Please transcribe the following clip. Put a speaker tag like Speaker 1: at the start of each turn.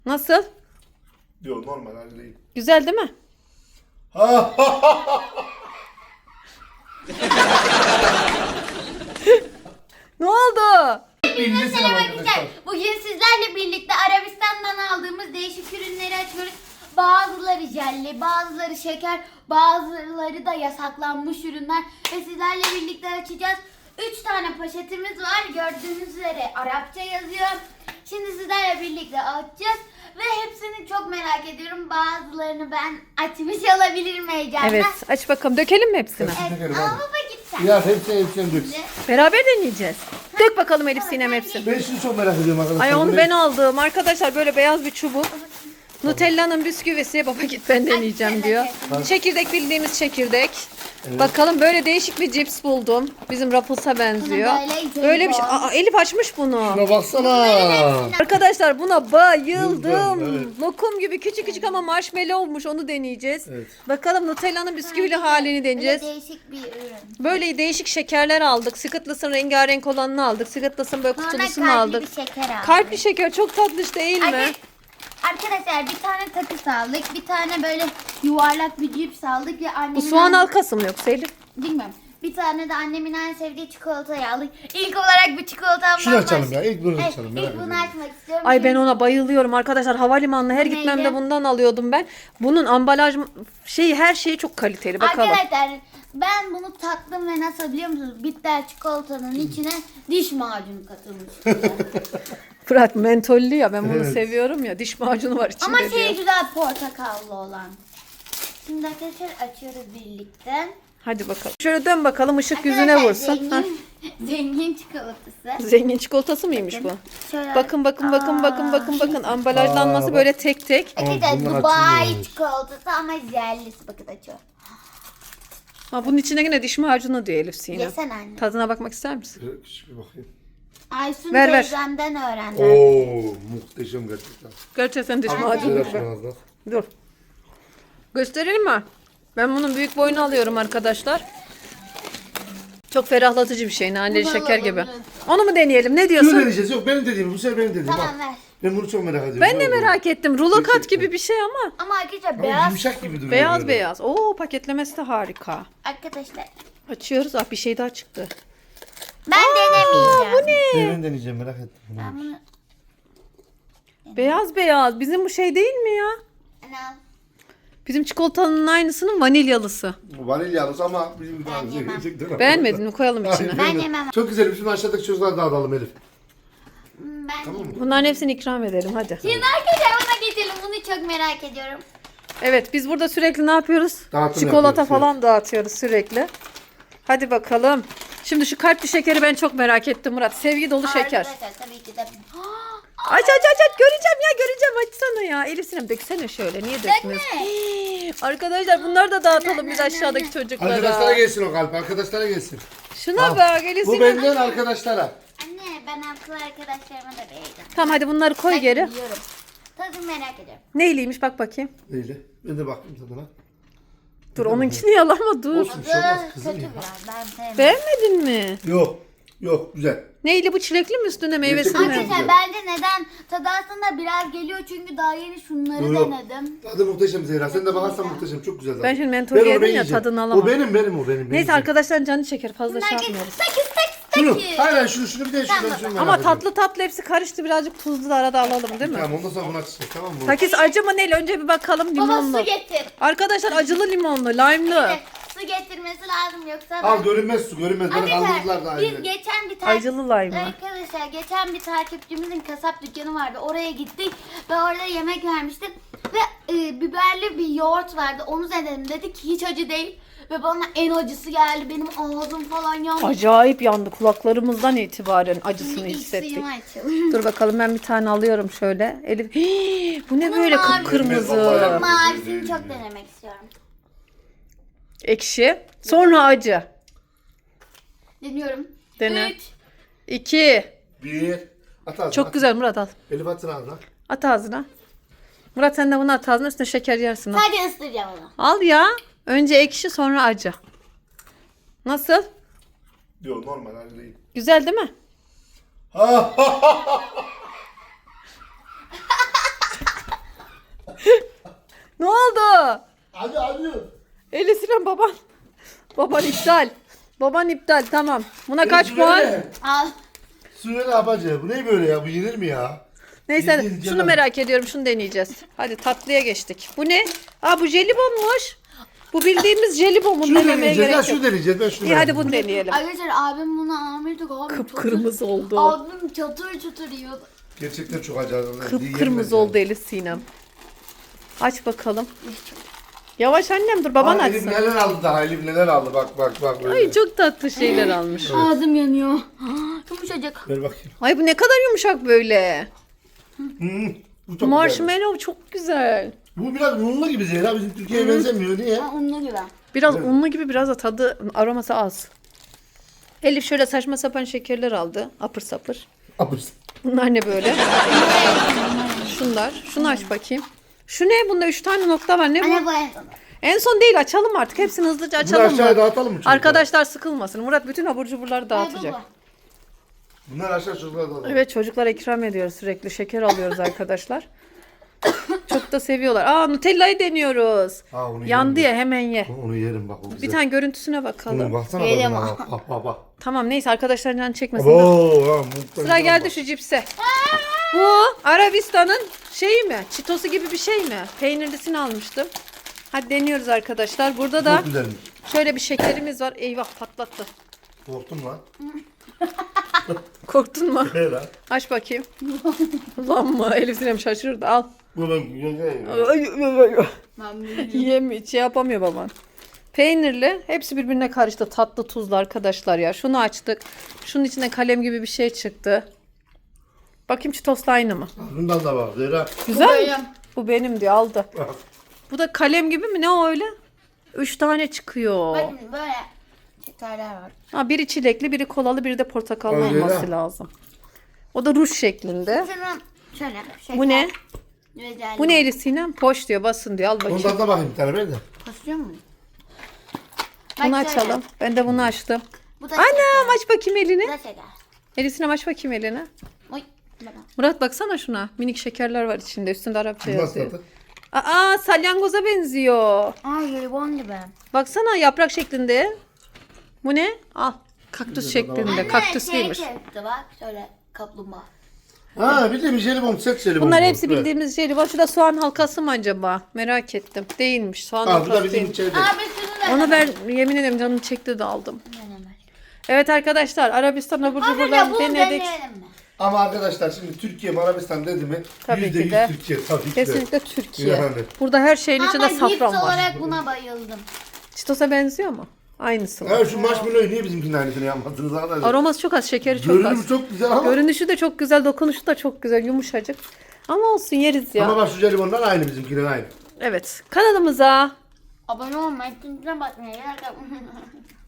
Speaker 1: Nasıl?
Speaker 2: Yok normal hali değil.
Speaker 1: Güzel değil mi? Ne oldu?
Speaker 2: Hepinize selam arkadaşlar.
Speaker 3: Bugün sizlerle birlikte Arabistan'dan aldığımız değişik ürünleri açıyoruz. Bazıları jelli, bazıları şeker, bazıları da yasaklanmış ürünler. Ve sizlerle birlikte açacağız. 3 tane poşetimiz var. Gördüğünüz üzere Arapça yazıyor. Şimdi sizlerle birlikte açacağız. Ve hepsini çok merak ediyorum. Bazılarını ben açmış olabilirim heyecanla.
Speaker 1: Evet, aç bakalım. Dökelim mi hepsini?
Speaker 3: Evet, ama baba git sen.
Speaker 2: Ya hepsini dök.
Speaker 1: Beraber deneyeceğiz. Dök bakalım Elif Sinem hepsini.
Speaker 2: Ben şunu çok merak ediyorum arkadaşlar.
Speaker 1: Ay onu
Speaker 2: Bu
Speaker 1: ben
Speaker 2: ne?
Speaker 1: aldım. Arkadaşlar böyle beyaz bir çubuk. Nutella'nın bisküvisi. Baba git ben deneyeceğim diyor. Çekirdek, bildiğimiz çekirdek. Bakalım böyle değişik bir cips buldum. Bizim Ruffles'a benziyor. Böyle bir şey. Aa, Elif açmış bunu.
Speaker 2: Şuna baksana.
Speaker 1: Arkadaşlar buna bayıldım.
Speaker 2: Evet.
Speaker 1: Lokum gibi küçük küçük ama marshmallow olmuş. Onu deneyeceğiz.
Speaker 2: Evet.
Speaker 1: Bakalım Nutella'nın bisküvili halini deneyeceğiz.
Speaker 3: Böyle değişik bir ürün.
Speaker 1: Böyle değişik şekerler aldık. Skitlıs'ın rengarenk olanını aldık. Skitlıs'ın böyle
Speaker 3: Sonra
Speaker 1: kutulusunu
Speaker 3: kalpli
Speaker 1: aldık.
Speaker 3: bir şeker aldık.
Speaker 1: Kalpli şeker çok tatlış değil mi?
Speaker 3: Arkadaşlar bir tane takıs aldık. Bir tane böyle yuvarlak bir cips aldık. Ve annemin
Speaker 1: Bu soğan halkası mı yoksa Elif?
Speaker 3: Bilmiyorum. Bir tane de annemin en sevdiği çikolatayı aldık. İlk olarak bu çikolatamdan
Speaker 2: Şunu açalım ya.
Speaker 3: başlayalım.
Speaker 2: İlk bunu
Speaker 3: Evet,
Speaker 2: açalım. Merak
Speaker 3: ilk bunu
Speaker 2: ediyorum.
Speaker 3: açmak istiyorum.
Speaker 1: Ay ben ona bayılıyorum arkadaşlar. Havalimanına her
Speaker 3: Neydi?
Speaker 1: gitmemde bundan alıyordum ben. Bunun ambalaj şeyi her şeyi çok kaliteli. Bakalım.
Speaker 3: Arkadaşlar ben bunu tattım ve nasıl biliyor musunuz? Bitter çikolatanın içine diş macunu katılmış.
Speaker 1: Fırat mentollü ya ben bunu
Speaker 2: Evet.
Speaker 1: seviyorum ya. Diş macunu var içinde
Speaker 3: Ama
Speaker 1: diyor.
Speaker 3: şey güzel portakallı olan. Şimdi arkadaşlar açıyoruz birlikte.
Speaker 1: Hadi bakalım. Şöyle dön bakalım ışık yüzüne
Speaker 3: Arkadaşlar,
Speaker 1: vursun. Hah.
Speaker 3: Zengin çikolatası.
Speaker 1: Zengin çikolatası mıymış bu?
Speaker 3: Şöyle-
Speaker 1: Bakın bakın ambalajlanması
Speaker 2: Aa,
Speaker 1: böyle tek tek.
Speaker 3: Arkadaşlar
Speaker 2: bunlar
Speaker 3: Dubai
Speaker 2: açılmıyormuş.
Speaker 3: çikolatası ama jellisi bakın açıyor.
Speaker 1: Ha, bunun içine yine diş macunu diyor Elif Sinem.
Speaker 3: Yesene anne.
Speaker 1: Tadına bakmak ister misin?
Speaker 2: Küçük bir bakayım.
Speaker 3: Aysun
Speaker 1: Ver.
Speaker 3: teyzemden öğrendim.
Speaker 2: Oo muhteşem gerçekten.
Speaker 1: Gerçekten diş
Speaker 2: Güzel
Speaker 1: macunu.
Speaker 2: açın ağzına.
Speaker 1: Dur. Gösterelim mi? Ben bunun büyük boyunu alıyorum arkadaşlar. Çok ferahlatıcı bir şey. Naneli
Speaker 3: Bunu
Speaker 1: şeker
Speaker 3: alalım,
Speaker 1: gibi.
Speaker 3: evet.
Speaker 1: Onu mu deneyelim? Ne
Speaker 2: Şunu
Speaker 1: diyorsun?
Speaker 2: deneyeceğiz. Yok benim dediğim. Bu sefer benim dediğim.
Speaker 3: Tamam
Speaker 2: Bak.
Speaker 3: ver.
Speaker 2: Ben bunu çok merak ediyorum.
Speaker 1: Ben de
Speaker 2: Ne oldu?
Speaker 1: merak ettim. Rulo kat
Speaker 2: Gerçekten.
Speaker 1: gibi bir şey ama.
Speaker 3: Ama arkadaşlar
Speaker 2: Ama
Speaker 3: beyaz.
Speaker 2: yumuşak gibi duruyor.
Speaker 1: Beyaz
Speaker 2: böyle.
Speaker 1: beyaz. Oo paketlemesi de harika.
Speaker 3: Arkadaşlar
Speaker 1: Açıyoruz. Ah bir şey daha çıktı.
Speaker 3: ben denemeyeceğim.
Speaker 1: Bu ne?
Speaker 2: Ben deneyeceğim merak ettim.
Speaker 3: Ben bunu
Speaker 1: Beyaz beyaz. Bizim bu şey değil mi ya?
Speaker 3: al.
Speaker 1: Bizim çikolatanın aynısının vanilyalısı.
Speaker 2: Bu vanilyalısı ama bizim gibi
Speaker 3: Ben yemem.
Speaker 2: gerçekten.
Speaker 1: Beğenmedin mi? Koyalım içine.
Speaker 2: Hayır,
Speaker 3: Ben
Speaker 2: beğenmedim.
Speaker 3: yemem.
Speaker 2: Çok güzel. Şimdi aşağıdaki çocuklara dağıtalım Elif.
Speaker 3: Ben
Speaker 2: Tamam mı?
Speaker 1: Bunların hepsini ikram edelim hadi.
Speaker 3: Şimdi arkadaşlar ona geçelim. Bunu çok merak ediyorum.
Speaker 1: Evet biz burada sürekli ne yapıyoruz?
Speaker 2: Dağıtım
Speaker 1: Çikolata
Speaker 2: yapıyoruz,
Speaker 1: falan dağıtıyoruz sürekli. Hadi bakalım. Şimdi şu kalpli şekeri ben çok merak ettim Murat. Sevgi dolu şeker.
Speaker 3: Arkadaşlar tabii ki de.
Speaker 1: Aç göreceğim açsana ya. Elif Sinem döksene şöyle niye dökmüyorsun? Hii, arkadaşlar bunları da dağıtalım biz aşağıdaki
Speaker 2: Arkadaşlara
Speaker 1: çocuklara.
Speaker 2: gelsin o kalp. Arkadaşlara gelsin.
Speaker 1: Şuna
Speaker 2: Al.
Speaker 1: bak Elif
Speaker 2: Bu
Speaker 1: Sinem.
Speaker 2: benden arkadaşlara.
Speaker 3: Anne ben akıl arkadaşlarıma da vereceğim.
Speaker 1: Tamam hadi bunları koy
Speaker 3: Ben
Speaker 1: geri.
Speaker 3: biliyorum. Tadını merak ediyorum.
Speaker 1: Neyliymiş bak bakayım.
Speaker 2: Neyle? Ben de baktım tadına.
Speaker 1: Dur onunkini yalama dur.
Speaker 2: Olsun bir şey olmaz kızım
Speaker 3: Kötü
Speaker 2: ya.
Speaker 3: biraz. Ben sevmem.
Speaker 1: Beğenmedin mi?
Speaker 2: Yok. Yok güzel.
Speaker 1: Neyli bu çilekli mi üstüne meyvesi
Speaker 2: Gerçekten
Speaker 1: mi?
Speaker 2: güzel.
Speaker 3: Arkadaşlar bence neden? Tadı aslında biraz geliyor çünkü daha yeni şunları
Speaker 2: Yok, yok.
Speaker 3: denedim.
Speaker 2: Tadı muhteşem Zehra. Sen de bakarsan muhteşem. Çok güzel zaten.
Speaker 1: Ben şimdi mentol
Speaker 2: Ben onu
Speaker 1: yedim ya,
Speaker 2: yiyeceğim.
Speaker 1: tadını alamam.
Speaker 2: O benim.
Speaker 1: Neyse arkadaşlar canı çeker fazla şey
Speaker 3: Bunlar
Speaker 1: yapmıyoruz.
Speaker 3: sakız.
Speaker 2: Şunu. Hayır şunu bir de şunu.
Speaker 3: Tamam.
Speaker 2: şunu
Speaker 1: Ama
Speaker 2: merak ediyorum.
Speaker 1: tatlı hepsi karıştı birazcık tuzlu da arada alalım değil mi?
Speaker 2: Tamam ondan sonra bunu açacağız tamam mı?
Speaker 1: Takis acı mı neyle? Önce bir bakalım
Speaker 3: Baba
Speaker 1: limonlu.
Speaker 3: su getir.
Speaker 1: Arkadaşlar acılı limonlu, lime'lı.
Speaker 3: Evet, su getirmesi lazım yoksa
Speaker 2: Al görünmez su görünmez. Beni kaldırdılar da
Speaker 3: Arkadaşlar
Speaker 2: aynı.
Speaker 3: biz geçen bir
Speaker 1: Acılı lime.
Speaker 3: Arkadaşlar geçen bir takipçimizin kasap dükkanı vardı. Oraya gittik ve orada yemek vermiştim. Ve biberli bir yoğurt vardı. Onu denedim. Dedi ki hiç acı değil. Ve bana en acısı geldi. Benim ağzım falan yandı.
Speaker 1: Acayip yandı kulaklarımızdan itibaren acısını
Speaker 3: Şimdi ilk
Speaker 1: hissettik.
Speaker 3: suyumu açalım.
Speaker 1: Dur bakalım ben bir tane alıyorum şöyle. Elif. Hii, bu ne böyle
Speaker 3: mavi.
Speaker 1: kıpkırmızı.
Speaker 2: Vallahi.
Speaker 3: Mavisini çok denemek istiyorum.
Speaker 1: Ekşi. Sonra acı.
Speaker 3: Deniyorum.
Speaker 1: Dene.
Speaker 3: 3.
Speaker 1: 2.
Speaker 2: Bir. At ağzına.
Speaker 1: Çok güzel Murat al.
Speaker 2: Elif atsın ağzına.
Speaker 1: At ağzına. Murat sen de bunu at ağzına üstüne şeker yersin. Al.
Speaker 3: Sadece ısıracağım onu.
Speaker 1: Al ya. Önce ekşi sonra acı. Nasıl?
Speaker 2: Yok normal hali değil.
Speaker 1: Güzel değil mi?
Speaker 2: Hadi.
Speaker 1: Elif Sinem baban. Baban iptal. Baban iptal tamam. Buna kaç puan?
Speaker 3: Al.
Speaker 2: Suya ne yapacağız? Bu ne böyle ya? Bu yenir mi ya?
Speaker 1: Neyse
Speaker 2: Yediğin
Speaker 1: şunu
Speaker 2: canım.
Speaker 1: merak ediyorum. Şunu deneyeceğiz. Hadi tatlıya geçtik. Bu ne? Aa bu jelibonmuş. Bu bildiğimiz jelibon. Bunu
Speaker 2: Şunu
Speaker 1: denemeye
Speaker 2: deneyeceğiz.
Speaker 1: gerek
Speaker 2: Ya
Speaker 1: yok.
Speaker 2: şunu deneyeceğiz. Ben şunu
Speaker 1: İyi hadi
Speaker 2: beğendim.
Speaker 1: bunu deneyelim.
Speaker 3: Arkadaşlar abim bunu almıştık. Abi
Speaker 1: Kıpkırmızı oldu.
Speaker 3: Abim çatır çatır yiyordu.
Speaker 2: Gerçekten çok acayip.
Speaker 1: Kıpkırmızı oldu Elif Sinem. Aç bakalım. Yavaş annem dur baban
Speaker 2: Elif
Speaker 1: açsın.
Speaker 2: neler aldı daha? Elif neler aldı? Bak. Böyle.
Speaker 1: Ay çok tatlı şeyler almış.
Speaker 3: Ağzım yanıyor. Yumuşacık.
Speaker 2: Ver bakayım.
Speaker 1: Ay bu ne kadar yumuşak böyle.
Speaker 2: Bu çok
Speaker 1: Marshmallow çok güzel.
Speaker 2: güzel. Bu biraz unlu gibi Zehra. Bizim Türkiye'ye benzemiyor. Niye?
Speaker 3: Ha, onunla gibi.
Speaker 1: Biraz unlu gibi biraz da tadı aroması az. Elif şöyle saçma sapan şekerler aldı. Apır sapır.
Speaker 2: Abuz.
Speaker 1: Bunlar ne böyle? Şunlar. Şunu aç bakayım. Şu ne? Bunda 3 tane nokta var. Ne
Speaker 3: Anne
Speaker 1: bu?
Speaker 3: bu en son.
Speaker 1: En son değil açalım artık. Hepsini hızlıca
Speaker 2: Bunu
Speaker 1: açalım
Speaker 2: aşağıya
Speaker 1: mı?
Speaker 2: dağıtalım mı çocuklar?
Speaker 1: Arkadaşlar sıkılmasın. Murat bütün abur cuburları dağıtacak.
Speaker 3: Baba.
Speaker 2: Bunlar aşağı çocuklar dağıtalım.
Speaker 1: Evet çocuklara ikram ediyoruz sürekli. Şeker alıyoruz arkadaşlar. Çok da seviyorlar. Aa Nutella'yı deniyoruz.
Speaker 2: Ha, onu
Speaker 1: Yandı
Speaker 2: yerim.
Speaker 1: ya hemen ye.
Speaker 2: Onu yerim bak. O güzel.
Speaker 1: Bir tane görüntüsüne
Speaker 2: Bunu
Speaker 1: bakalım.
Speaker 2: baksana.
Speaker 3: Yerim
Speaker 2: Bak.
Speaker 1: Tamam neyse arkadaşlar can çekmesin.
Speaker 2: Abo.
Speaker 1: Sıra geldi şu cipse. Bu Arabistan'ın şeyi mi? Çitosu gibi bir şey mi? Peynirlisini almıştım. Hadi deniyoruz arkadaşlar. Burada da
Speaker 2: Çok güzelmiş.
Speaker 1: şöyle bir şekerimiz var. Eyvah patlattı.
Speaker 2: Korktum lan.
Speaker 1: Korktun mu?
Speaker 2: He lan.
Speaker 1: Aç bakayım. Ulan mı? Elif Sinem şaşırdı. Al.
Speaker 2: Bu ben güzel.
Speaker 3: Ben bunu
Speaker 1: Yiyemiyor. Şey yapamıyor baban. Peynirli. Hepsi birbirine karıştı. Tatlı tuzlu arkadaşlar ya. Şunu açtık. Şunun içinde kalem gibi bir şey çıktı. Bakayım çitosla aynı mı?
Speaker 2: Bundan da var Zehra.
Speaker 1: Güzel mi?
Speaker 3: benim.
Speaker 1: Bu benim diyor aldı.
Speaker 2: Bak.
Speaker 1: Bu da kalem gibi mi? Ne o öyle? 3 tane çıkıyor.
Speaker 3: Bakın böyle şekerler var.
Speaker 1: Ha, biri çilekli, biri kolalı, biri de portakallı
Speaker 2: Öyle
Speaker 1: olması
Speaker 2: ya.
Speaker 1: lazım. O da ruj şeklinde.
Speaker 3: Şunun şöyle şeker.
Speaker 1: Bu ne?
Speaker 3: Güzel.
Speaker 1: Bu neydi Sinem? Poş diyor. Basın diyor. Al bakayım.
Speaker 2: Ondan da bakayım bir tane ver de.
Speaker 3: Basıyor mu?
Speaker 1: Bunu
Speaker 3: Bak şöyle.
Speaker 1: açalım. Ben de bunu açtım.
Speaker 3: Bu da
Speaker 1: Anam aç bakayım
Speaker 3: Bu
Speaker 1: elini.
Speaker 3: da şeker.
Speaker 1: Elisine aç bakayım elini.
Speaker 3: Oy. Baba.
Speaker 1: Murat baksana şuna. Minik şekerler var içinde. Üstünde Arapça
Speaker 2: Nasıl
Speaker 1: yazıyor.
Speaker 2: tadı?
Speaker 1: Aa salyangoza benziyor.
Speaker 3: Aa jelibon gibi.
Speaker 1: Baksana yaprak şeklinde. Bu ne? Al. Kaktüs şeklinde. Kaktüslüymüş.
Speaker 3: Şey çıktı bak şöyle kaplumbağa.
Speaker 2: Ha bir de bir jelibon, set jelibon.
Speaker 1: Bunlar
Speaker 2: bu.
Speaker 1: hepsi
Speaker 2: Evet.
Speaker 1: bildiğimiz şey. Bak şurada soğan halkası mı acaba? Merak ettim. Değilmiş. Soğan
Speaker 2: Ha bu da
Speaker 1: halkası
Speaker 2: bizim
Speaker 1: değilmiş.
Speaker 2: içeride.
Speaker 3: Abi şunu da.
Speaker 1: Onu ben yemin ederim canım çekti de aldım.
Speaker 3: Denemez.
Speaker 1: Evet arkadaşlar Arabistan abur
Speaker 3: Abi de
Speaker 1: cuburlarını
Speaker 3: bunu
Speaker 1: denedik.
Speaker 3: deneyelim mi?
Speaker 2: Ama arkadaşlar şimdi Türkiye mi Arabistan dedi mi?
Speaker 1: Tabii ki
Speaker 2: %100
Speaker 1: de.
Speaker 2: Türkiye tabii ki de.
Speaker 1: Kesinlikle Türkiye.
Speaker 2: Yani.
Speaker 1: Burada her şeyin içinde
Speaker 3: Ama cips
Speaker 1: safran var.
Speaker 3: olarak buna bayıldım.
Speaker 1: Çitos'a benziyor mu? Aynısı var.
Speaker 2: Ha şu marshmallow'u niye bizimkinin aynısını yapmadınız arkadaşlar?
Speaker 1: Aroması çok az, şekeri çok
Speaker 2: Görünümü
Speaker 1: az.
Speaker 2: çok güzel ama.
Speaker 1: Görünüşü de çok güzel, dokunuşu da çok güzel, yumuşacık. Ama olsun yeriz ya.
Speaker 2: Ama bak şu jelibonlar aynı bizimkinin aynı.
Speaker 1: Evet. Kanalımıza
Speaker 3: Abone olmayı, zincirine basmayı, like atmayı.